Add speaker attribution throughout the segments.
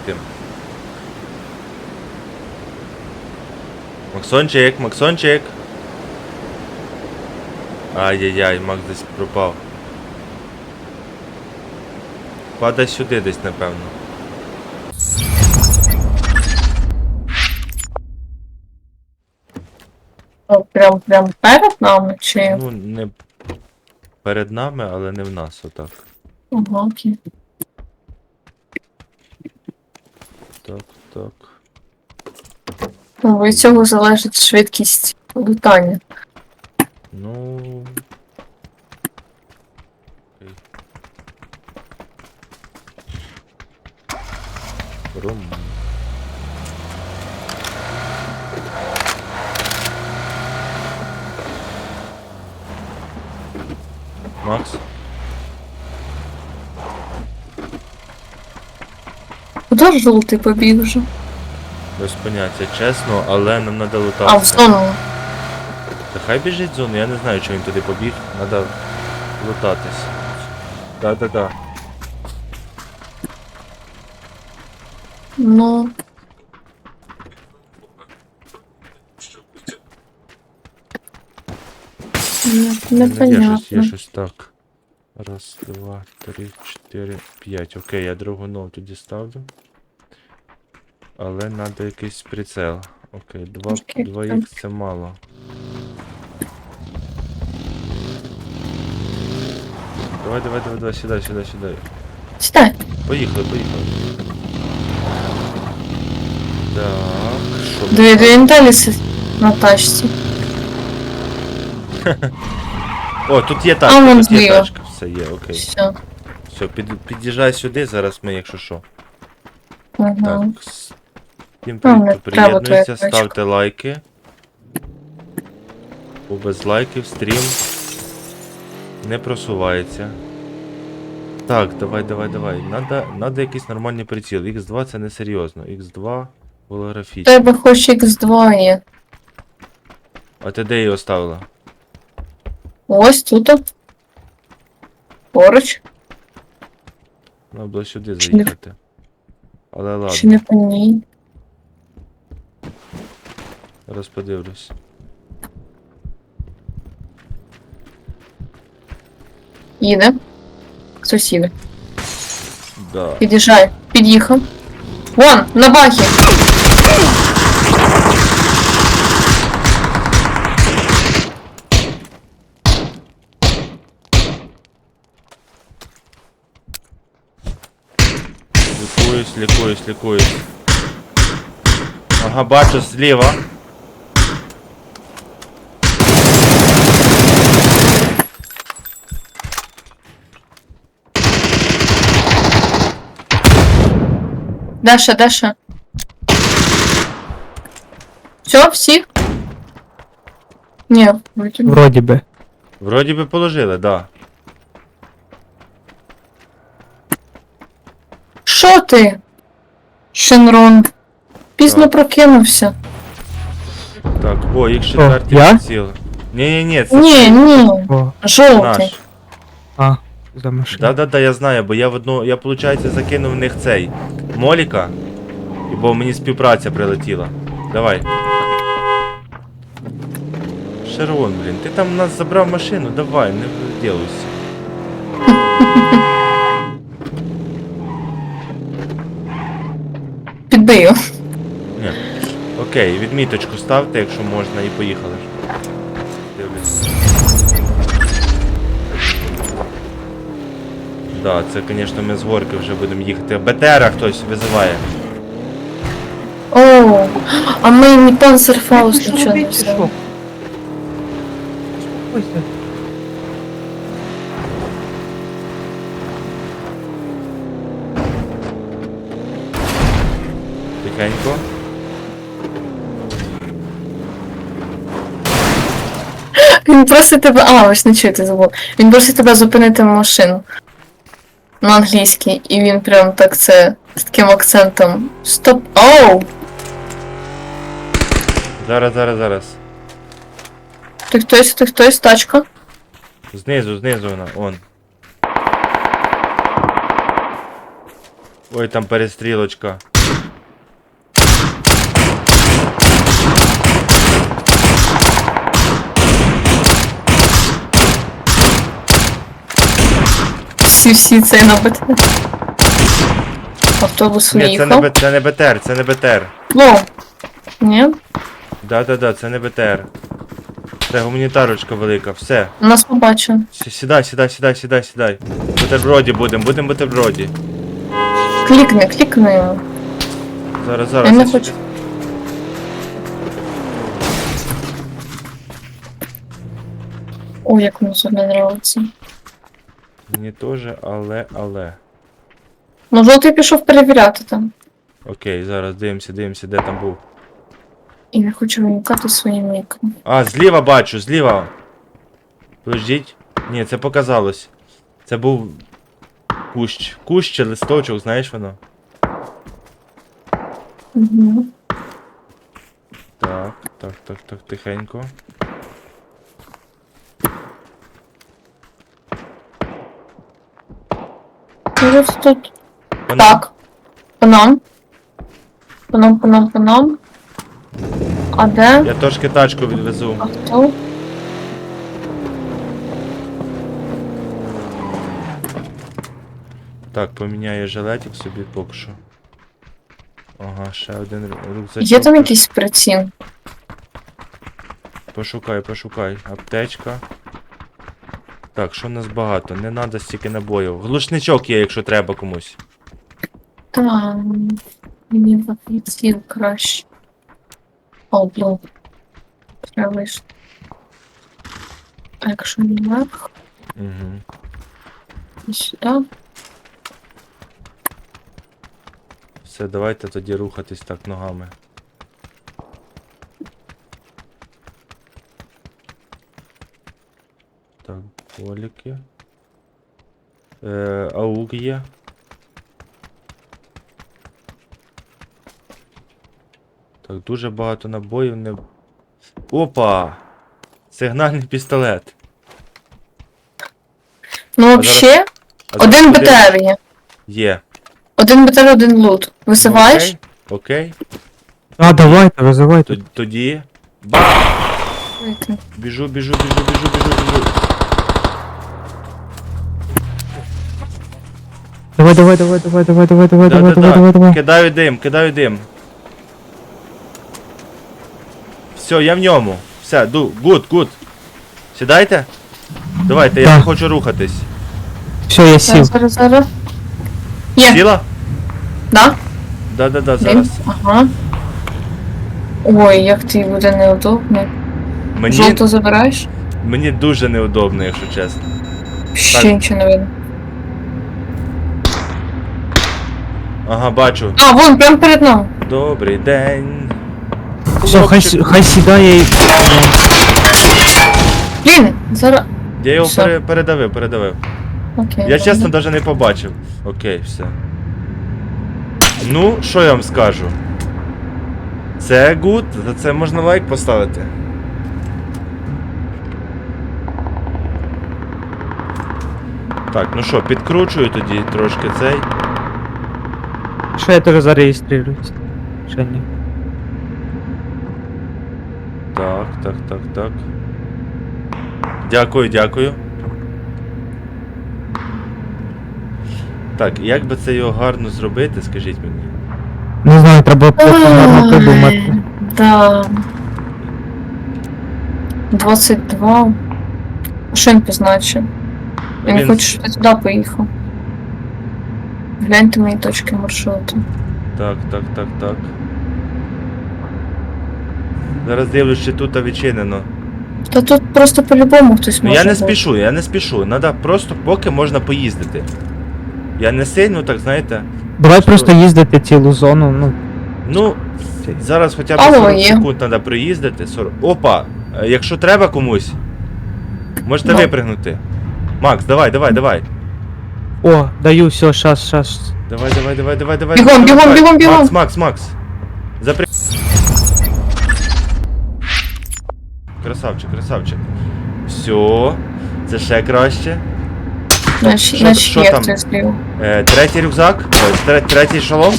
Speaker 1: тим. Максончик, Максончик! Ай-яй-яй, Макс десь пропав. Падай сюди десь, напевно.
Speaker 2: О, прям перед нами чи?
Speaker 1: Ну, не перед нами, але не в нас, отак.
Speaker 2: Ага, окей.
Speaker 1: Так, так.
Speaker 2: Ну, від цього залежить швидкість лутання.
Speaker 1: Ну... Окей. Ром. Макс?
Speaker 2: Куди ж жовтий побіг вже?
Speaker 1: Без поняття, чесно, але нам треба
Speaker 2: А, в
Speaker 1: лутатися.
Speaker 2: зону.
Speaker 1: Та хай біжить в зону, я не знаю, чого він туди побіг. Треба лутатись. Да-да-да.
Speaker 2: Ну.
Speaker 1: Є
Speaker 2: Непонятно.
Speaker 1: щось так. Раз, два, три, чотири, п'ять. Окей, я другу ногу тоді ставлю. Але треба якийсь прицел. Окей,
Speaker 2: Окей,
Speaker 1: 2х це мало. Давай, сідай.
Speaker 2: Сідай.
Speaker 1: Поїхали. Так, що ми
Speaker 2: Дві
Speaker 1: там?
Speaker 2: далі сидить на тачці.
Speaker 1: О, тут є
Speaker 2: А,
Speaker 1: тачка,
Speaker 2: вон
Speaker 1: тут є
Speaker 2: зліва.
Speaker 1: тачка. Все є, окей.
Speaker 2: Все.
Speaker 1: Все, під'їжджай сюди, зараз ми, якщо що.
Speaker 2: Ага.
Speaker 1: Так, всім
Speaker 2: Ну,
Speaker 1: привіт,
Speaker 2: не
Speaker 1: хто
Speaker 2: треба
Speaker 1: приєднується,
Speaker 2: твоя
Speaker 1: ставте лайки. Бо без лайків стрім не просувається. Так, давай. Надо якийсь нормальний приціл. Х2 це не серйозно. Х2
Speaker 2: У
Speaker 1: голографічний.
Speaker 2: тебе хоч Х2 є.
Speaker 1: А ти де її оставила?
Speaker 2: Ось тут. Поруч.
Speaker 1: Треба було сюди
Speaker 2: Чи не-
Speaker 1: заїхати. Але
Speaker 2: Чи не
Speaker 1: ладно,
Speaker 2: по ній?
Speaker 1: зараз подивлюсь.
Speaker 2: Їде. Хтось їде.
Speaker 1: Да.
Speaker 2: Під'їжджай. Під'їхав. Вон, на бахі.
Speaker 1: Лікуюсь. Ага, бачу зліва.
Speaker 2: Даша. Все, всі? Ні, вроді.
Speaker 3: Вроді би.
Speaker 1: Вроді би положили, да.
Speaker 2: Що ти? Шенрон. Пізно
Speaker 1: Так.
Speaker 2: прокинувся.
Speaker 1: Так, о, їх четвертий
Speaker 3: я?
Speaker 1: приціл. Ні, це
Speaker 2: Ні.
Speaker 3: О,
Speaker 2: Жовтий.
Speaker 1: наш.
Speaker 3: за машину.
Speaker 1: Да, я знаю, бо я виходить, закинув в них цей Моліка, і бо мені співпраця прилетіла. Давай. Шерон, блін, ти там у нас забрав машину, давай, не вділуйся.
Speaker 2: Підбию.
Speaker 1: Ні. Окей, відміточку ставте, якщо можна, і поїхали. Дивлюсь. Да, це, звісно, ми з горки вже будемо їхати. БТРа хтось визиває.
Speaker 2: О, а ми не панцерфаус нічого не взяли.
Speaker 3: Успокойся.
Speaker 1: Тихенько.
Speaker 2: Він просить тебе. А, ось не чути забув. Він просить тебе зупинити машину. На англійській. І він прям так це з таким акцентом. Стоп. Оу!
Speaker 1: Зараз.
Speaker 2: Ти хтось, тачка.
Speaker 1: Знизу вона, он. Ой, там перестрілочка.
Speaker 2: всі цей на БТ. Автобус
Speaker 1: Ні,
Speaker 2: виїхав.
Speaker 1: це не БТР, це не БТР.
Speaker 2: О! Ні?
Speaker 1: Да, це не БТР. Це гуманітарочка велика, все.
Speaker 2: Нас побачив.
Speaker 1: Сідай. Бутерброді будем бутерброді.
Speaker 2: Клікни його.
Speaker 1: Зараз.
Speaker 2: Я не хочу. Ой, як мені це не нравиться.
Speaker 1: Мені теж, але.
Speaker 2: Ну, жовтий пішов перевіряти там.
Speaker 1: Окей, зараз дивимося, де там був.
Speaker 2: І не хочу виникати своїм ніком.
Speaker 1: А, зліва бачу, зліва. Подождіть. Ні, це показалось. Це був кущ. Кущ чи листочок, знаєш воно?
Speaker 2: Угу.
Speaker 1: Так, тихенько.
Speaker 2: Може тут.
Speaker 1: Вона-
Speaker 2: Так. По нам. А де?
Speaker 1: Я трошки тачку відвезу.
Speaker 2: А хто?
Speaker 1: Так, поміняю жилетик собі поки що. Ага, ще один рюкзачок.
Speaker 2: Є там якийсь приціл?
Speaker 1: Пошукай. Аптечка. Так, що в нас багато? Не треба стільки набоїв. Глушничок є, якщо треба комусь.
Speaker 2: Там. Мені в приціл краще. О, блін. Треба вийшло. А якщо наверх,
Speaker 1: Угу.
Speaker 2: і сюди.
Speaker 1: Все, давайте тоді рухатись так ногами. Так, поліки. Аук є. Так, дуже багато набоїв не. Опа! Сигнальний пістолет.
Speaker 2: Ну, взагалі, один
Speaker 1: куди?
Speaker 2: БТР є.
Speaker 1: Є.
Speaker 2: Один БТР, один лут. Висиваєш?
Speaker 1: Окей.
Speaker 3: А, давайте, визивайте.
Speaker 1: Тоді. Бах! Біжу.
Speaker 3: Давай.
Speaker 1: Да. Кидаю дим. Все, я в ньому. Все, гуд. Сідайте? Давайте, я
Speaker 3: Так.
Speaker 1: хочу рухатись.
Speaker 3: Все, я сів.
Speaker 2: Зараз. Є,
Speaker 1: Сіла?
Speaker 2: да?
Speaker 1: Да,
Speaker 2: Дим.
Speaker 1: зараз.
Speaker 2: Ага. Ой, як ти буде неудобно. Жовто забираєш?
Speaker 1: Мені дуже неудобно, якщо чесно.
Speaker 2: Ще
Speaker 1: Так.
Speaker 2: нічого не видно.
Speaker 1: Ага, бачу.
Speaker 2: А, вон, прямо перед нами.
Speaker 1: Добрий день.
Speaker 3: Все,
Speaker 1: Хлопчик.
Speaker 3: хай сідає і...
Speaker 2: Блін, зараз.
Speaker 1: Я його
Speaker 2: Все.
Speaker 1: передавив.
Speaker 2: Окей.
Speaker 1: Я чесно
Speaker 2: ладно.
Speaker 1: навіть не побачив. Окей, все. Ну, що я вам скажу? Це гуд, за це можна лайк поставити. Так, ну що, підкручую тоді трошки цей.
Speaker 3: Що я теж зареєструюсь? Ще ні.
Speaker 1: Так. Дякую. Так, як би це його гарно зробити, скажіть мені.
Speaker 3: Не знаю, треба просто гарно придумати.
Speaker 2: Ай, да. 22. Що він позначив? Я не
Speaker 1: Він-
Speaker 2: хочу, щоб ти туди поїхав. Гляньте мої точки маршруту.
Speaker 1: Так. Зараз дивлюсь, чи тут відчинено.
Speaker 2: Та тут просто по-любому хтось
Speaker 1: Ну
Speaker 2: може
Speaker 1: я не
Speaker 2: бути.
Speaker 1: спішу. Надо просто поки можна поїздити. Я не сильно, так знаєте.
Speaker 3: Давай просто їздити цілу зону, ну.
Speaker 1: Ну, зараз хоча б
Speaker 2: Алло,
Speaker 1: 40
Speaker 2: є.
Speaker 1: секунд треба проїздити. 40. Опа! Якщо треба комусь, можете
Speaker 2: Ну.
Speaker 1: випригнути. Макс, давай.
Speaker 3: О, даю, все, щас.
Speaker 1: Давай.
Speaker 2: Бігом.
Speaker 1: Макс. Красавчик. Все. Це ще краще.
Speaker 2: Значить,
Speaker 1: що
Speaker 2: є
Speaker 1: там?
Speaker 2: хтось зліва.
Speaker 1: Третій рюкзак. Третій шолом.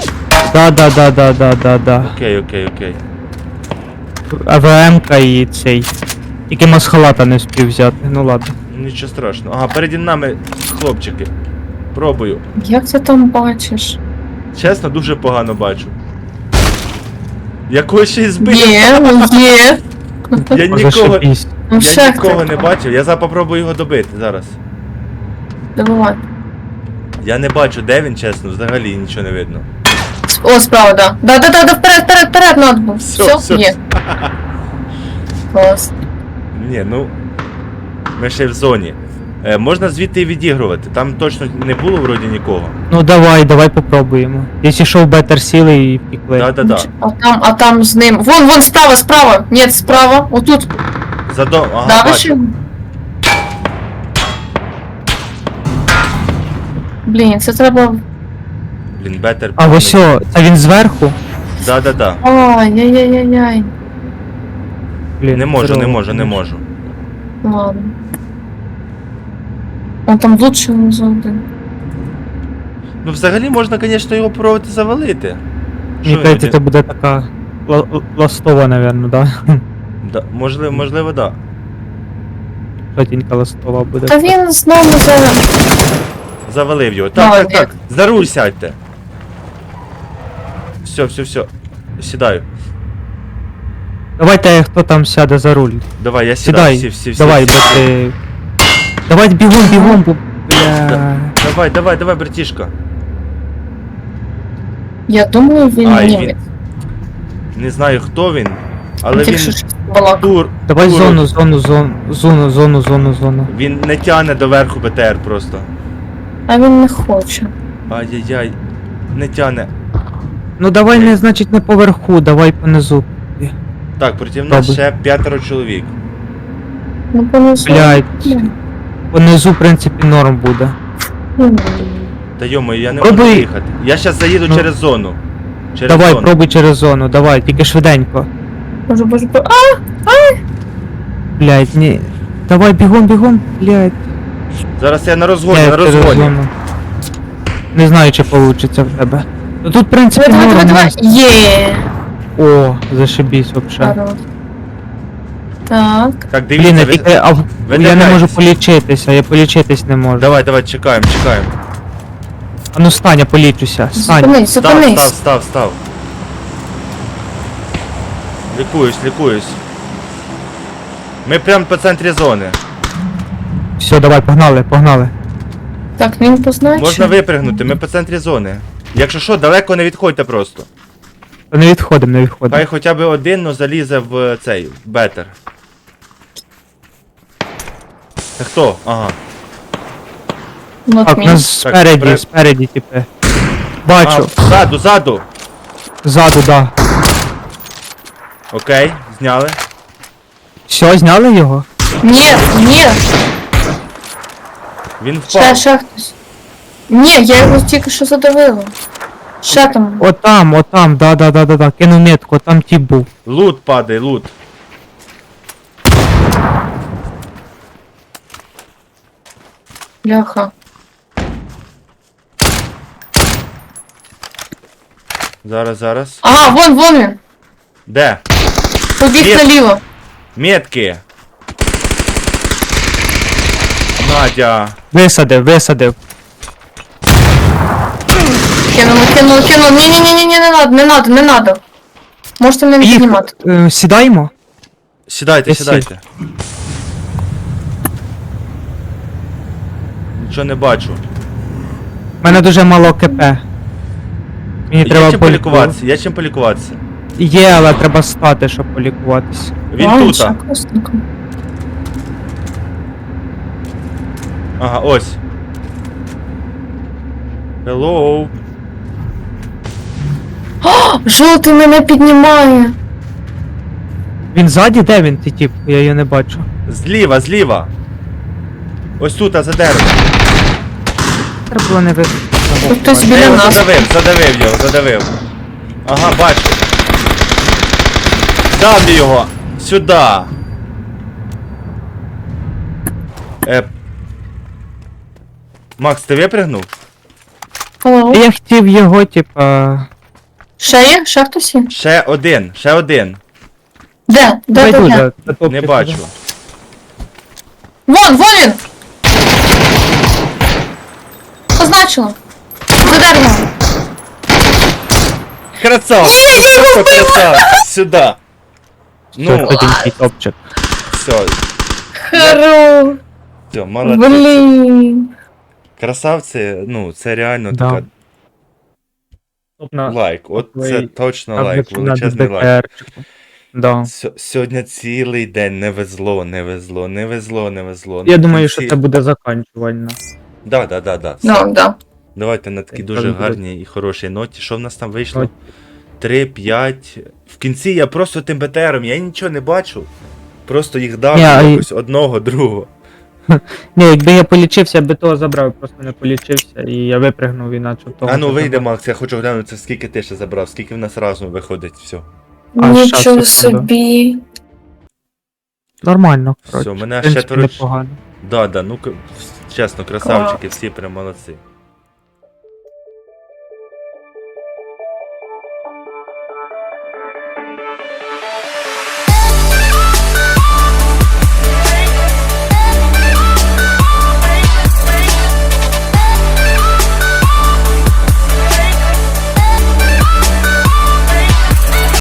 Speaker 3: Да.
Speaker 1: Окей.
Speaker 3: АВМ-ка і цей. Тільки масхалата не встиг взяти, ну ладно.
Speaker 1: Нічого страшного. Ага, переді нами хлопчики. Пробую.
Speaker 2: Як ти там бачиш?
Speaker 1: Чесно, дуже погано бачу. Якого ще й збив?
Speaker 2: Є, є.
Speaker 1: Я нікого,
Speaker 3: Зашибісь.
Speaker 2: Ну,
Speaker 1: я
Speaker 2: ще
Speaker 1: нікого
Speaker 2: хто?
Speaker 1: не бачив. Я зараз попробую його добити зараз.
Speaker 2: Добивай.
Speaker 1: Я не бачу, де він, чесно, взагалі нічого не видно.
Speaker 2: О, справа, да. Да, вперед, надо було. Все, є. Клас.
Speaker 1: Ні, ну. Ми ще в зоні. Можна звідти і відігрувати. Там точно не було вроді нікого.
Speaker 3: Ну давай попробуємо. Якщо що в бетер сіли і пікли.
Speaker 1: Да.
Speaker 2: А там з ним. Вон, справа. Ні, справа. Отут.
Speaker 1: Ага,
Speaker 2: Давиш
Speaker 1: бачу.
Speaker 2: його? Блін, це треба.
Speaker 1: Блін, бетер.
Speaker 3: А ось о, це він зверху?
Speaker 1: Да.
Speaker 2: Ай-яй-яй-яй.
Speaker 3: Блін,
Speaker 1: Не можу.
Speaker 2: Ладно. Он там лучше за один.
Speaker 1: Ну, взагалі можна, звісно, його пробувати завалити.
Speaker 3: Мені
Speaker 1: Що
Speaker 3: кажеться,
Speaker 1: він-
Speaker 3: це буде така ластова, напевно, да?
Speaker 1: Да, можливо, да.
Speaker 3: Жовтенька ластова буде.
Speaker 2: Та він знову
Speaker 1: Завалив його. Так.
Speaker 2: Молодець.
Speaker 1: За руль сядьте. Все. Сідаю.
Speaker 3: Давайте хто там сяде за руль.
Speaker 1: Давай, я сідаю.
Speaker 3: Сідай.
Speaker 1: Всі.
Speaker 3: Давай, бо ти... Давай бігом, бо... Бля...
Speaker 1: Давай, братішка.
Speaker 2: Я думаю, він
Speaker 1: Ай,
Speaker 2: німець.
Speaker 1: Не знаю, хто він, але
Speaker 2: Тільки
Speaker 1: він
Speaker 2: що щось балакав.
Speaker 3: Давай
Speaker 1: тур.
Speaker 3: зону.
Speaker 1: Він не тягне до верху БТР просто.
Speaker 2: А він не хоче.
Speaker 1: Ай-яй-яй. Не тягне.
Speaker 3: Ну давай не, значить, не поверху, давай понизу.
Speaker 1: Так, проти нас
Speaker 3: Добре.
Speaker 1: ще 5 чоловік.
Speaker 2: Ну, понесу.
Speaker 3: Блядь. Понизу, в принципі, норм буде.
Speaker 1: Та йому, я не
Speaker 3: Пробуй.
Speaker 1: можу їхати. Я зараз заїду
Speaker 3: Ну.
Speaker 1: через зону.
Speaker 3: Давай, пробуй через зону, давай, тільки швиденько.
Speaker 2: Боже.
Speaker 3: Блядь, ні. Давай, бігом, блядь.
Speaker 1: Зараз я на розгоні,
Speaker 3: Я
Speaker 1: на
Speaker 3: через
Speaker 1: розгоні.
Speaker 3: зону. Не знаю, чи вийде в тебе. Ну тут, в принципі,
Speaker 2: Давай.
Speaker 3: норм.
Speaker 2: Є.
Speaker 3: О, зашибісь вообще.
Speaker 2: Хорош. Так.
Speaker 1: Так,
Speaker 3: Блін,
Speaker 1: дивіться,
Speaker 3: я
Speaker 1: ви...
Speaker 3: тільки, я не
Speaker 1: видихайтесь.
Speaker 3: можу полічитися, я полічитись не можу.
Speaker 1: Давай, чекаємо.
Speaker 3: А ну стань, я полічуся, стань.
Speaker 2: Зупинись.
Speaker 1: Став. Лікуюсь. Ми прямо по центрі зони.
Speaker 3: Все, давай, погнали.
Speaker 2: Так, він позначив.
Speaker 1: Можна випригнути, ми по центрі зони. Якщо що, далеко не відходьте просто.
Speaker 3: Та не відходимо.
Speaker 1: Хай хоча б один, но залізе в цей, в бетер. Це хто? Ага.
Speaker 2: Not
Speaker 3: Так,
Speaker 2: me.
Speaker 3: нас
Speaker 1: Так,
Speaker 3: спереді, типи. Бачу,
Speaker 1: Ззаду.
Speaker 3: ззаду, да.
Speaker 1: Окей, зняли.
Speaker 3: Все, зняли його?
Speaker 2: Ні.
Speaker 1: Він впав.
Speaker 2: Ще хтось. Ні, я його тільки що задавила. Ще там.
Speaker 3: Отам, да. Кинув метку, там тип був.
Speaker 1: Лут падає, лут.
Speaker 2: Бляха.
Speaker 1: Зараз.
Speaker 2: Ага, вон він.
Speaker 1: Де?
Speaker 2: Побіг
Speaker 1: Є.
Speaker 2: наліво.
Speaker 1: Метки. Надя.
Speaker 3: Висадив.
Speaker 2: Кинув. Ні, не надо. Можете мене не
Speaker 3: Їх,
Speaker 2: піднімати.
Speaker 3: сідаємо?
Speaker 1: Сідайте.
Speaker 3: Я
Speaker 1: Нічого не бачу.
Speaker 3: У мене дуже мало КП. Мені треба
Speaker 1: Є чим полікуватися.
Speaker 3: Є, але треба стати, щоб полікуватися.
Speaker 1: Він
Speaker 2: Ладно,
Speaker 1: тут.
Speaker 2: ще косненько.
Speaker 1: Ага, ось. Hello.
Speaker 2: Жовтий мене піднімає.
Speaker 3: Він ззаді? Де він, ти тип? Я його не бачу.
Speaker 1: Зліва. Ось тут, за деревом.
Speaker 3: Треба було не вийти.
Speaker 2: Тут хтось
Speaker 1: Я
Speaker 2: біля
Speaker 1: його
Speaker 2: нас.
Speaker 1: задавив. Ага, бачу. Давлю його. Сюди. Макс, ти випригнув?
Speaker 2: Hello.
Speaker 3: Я хотів його, типа...
Speaker 2: Ще є? Ще хтось є?
Speaker 1: Ще один.
Speaker 2: Де?
Speaker 3: Давай тут,
Speaker 2: Де?
Speaker 3: затопчи
Speaker 1: Не
Speaker 3: туди.
Speaker 1: бачу.
Speaker 2: Вон він! позначила. За деревом.
Speaker 1: Красавчик! Просто красавчик! Сюда!
Speaker 3: Ну,
Speaker 1: Ну,
Speaker 3: худенький топчик.
Speaker 1: все,
Speaker 2: Хоро.
Speaker 1: молодці.
Speaker 2: Блін.
Speaker 1: Красавці, ну, це реально
Speaker 3: Да.
Speaker 1: така
Speaker 3: Топ на
Speaker 1: лайк. От це
Speaker 3: Твої
Speaker 1: точно лайк,
Speaker 3: або на
Speaker 1: величезний лайк.
Speaker 3: ДТРчику. Да.
Speaker 1: Сьогодні цілий день не везло.
Speaker 3: Я
Speaker 1: В
Speaker 3: думаю, що
Speaker 1: кінці-
Speaker 3: це буде заканчувально.
Speaker 1: Да.
Speaker 2: Ну, да.
Speaker 1: Давайте на такій
Speaker 3: Так,
Speaker 1: дуже
Speaker 3: так,
Speaker 1: гарній і хорошій ноті. Що в нас там вийшло?
Speaker 3: Ноті.
Speaker 1: 3, 5. В кінці я просто тим БТРом, я нічого не бачу. Просто їх дав
Speaker 3: Ні,
Speaker 1: якось одного, другого.
Speaker 3: Ні, якби я полічився, я би того забрав, просто не полічився і я випригнув іначе того.
Speaker 1: А ну
Speaker 3: що
Speaker 1: вийде,
Speaker 3: забрав.
Speaker 1: Макс, я хочу глянути, скільки ти ще забрав, скільки в нас разом виходить, все.
Speaker 3: А,
Speaker 2: Нічого
Speaker 3: щас, секунду.
Speaker 2: собі.
Speaker 3: Нормально, коротше.
Speaker 1: Все, мене
Speaker 3: В принципі,
Speaker 1: четверо.
Speaker 3: непогано.
Speaker 1: Да, ну чесно, красавчики, всі прям молодці.